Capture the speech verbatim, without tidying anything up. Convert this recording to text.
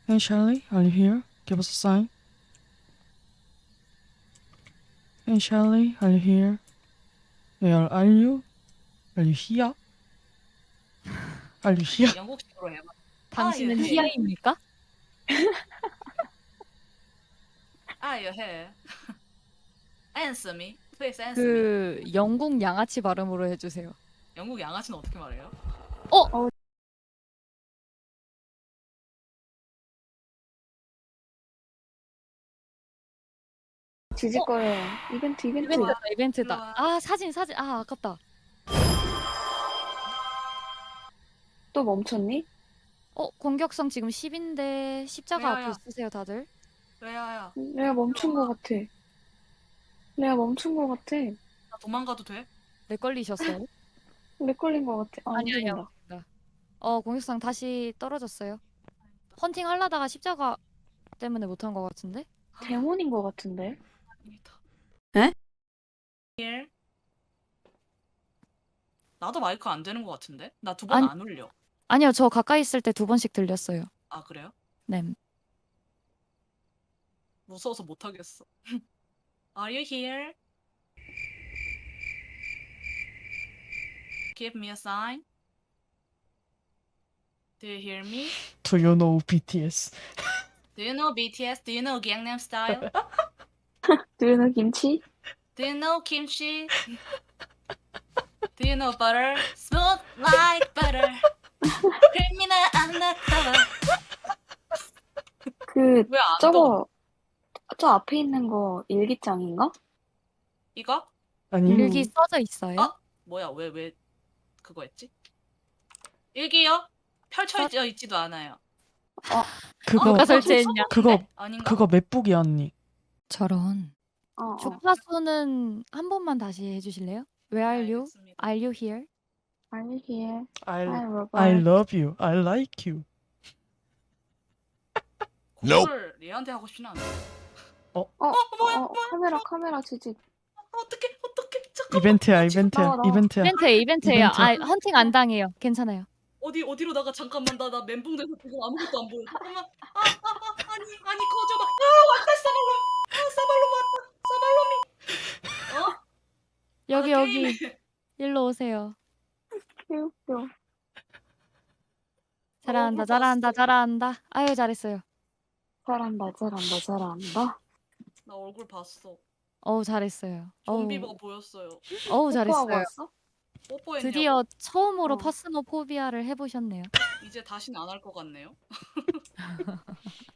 Hey Charlie, are you here? Give us a sign. Hey Charlie, are you here? Where are you? Are you here? Are you here? 영국식으로 해봐. 당신은 예. 히아입니까? Are you here? Answer me. Please answer me. 그 영국 양아치 발음으로 해주세요. 영국 양아치는 어떻게 말해요? 어? 지직거려요. 이벤트 이벤트. 일로 와. 이벤트다 이벤트다. 일로 와. 아 사진 사진 아 아깝다. 또 멈췄니? 어 공격성 지금 십인데 십자가 레아야. 앞에 있으세요 다들? 레아야, 내가 멈춘 거 같아. 내가 멈춘 거 같아. 나 도망가도 돼? 렉 걸리셨어요? 렉 걸린 거 같아. 아, 아니 움직인다. 아니요. 네. 어 공격성 다시 떨어졌어요. 헌팅 하려다가 십자가 때문에 못한 것 같은데? 데몬인 거 같은데? 에? Here. 나도 마이크 안 되는 것 같은데? 나 두 번 아니- 안 울려. 아니요 저 가까이 있을 때 두 번씩 들렸어요. 아 그래요? 네. 무서워서 못 하겠어. Are you here? Give me a sign. Do you hear me? Do you know B T S? Do you know B T S? Do you know Gangnam Style? 두유는 김치? Do you know kimchi? Do you know butter? Smooth like butter. creamy undercover. 그 왜 안 떠? 저거 저 앞에 있는 거 일기장인가? 이거? 아니 일기 써져 있어요? 어? 뭐야? 왜 왜 그거 했지? 일기요? 펼쳐져 있지도 않아요. 그거 누가 어, 설치했냐? 그거 아닌가? 그거 맵북이야 언니. 저런. 어, 어. 주파수는 한 번만 다시 해주실래요? Where are 네, you? 알겠습니다. Are you here? Are you here? I Hi, Robert. I love you. I like you. 그걸 얘한테 하고 싶진 않아. 어, 뭐야, 어, 카메라 카메라 지직. 어떡해, 어떡해. 잠깐만. 이벤트야 지금 이벤트야 나와, 나와. 이벤트야. 이벤트예요 이벤트예요. 이벤트. 아 헌팅 안 당해요. 괜찮아요. 어디 어디로 나가? 잠깐만 나 나 멘붕돼서 지금 아무것도 안 보여. 잠깐만. 아, 아, 아 아니 아니 커져봐. 아 왔다 사발롬. 아 사발롬 왔다. 사발롬이. 어? 여기 아, 여기 게임에. 일로 오세요. 귀엽겨. 잘한다 얼굴 잘한다 봤어. 잘한다. 아유 잘했어요. 잘한다, 잘한다, 잘한다. 나 얼굴 봤어. 어우 잘했어요. 어우, 좀비가 보였어요. 어우 뽀뽀하고 잘했어요. 왔어? 뽀뽀했냐고? 드디어 처음으로 어. 파스모포비아를 해보셨네요. 이제 다시는 안 할 것 같네요.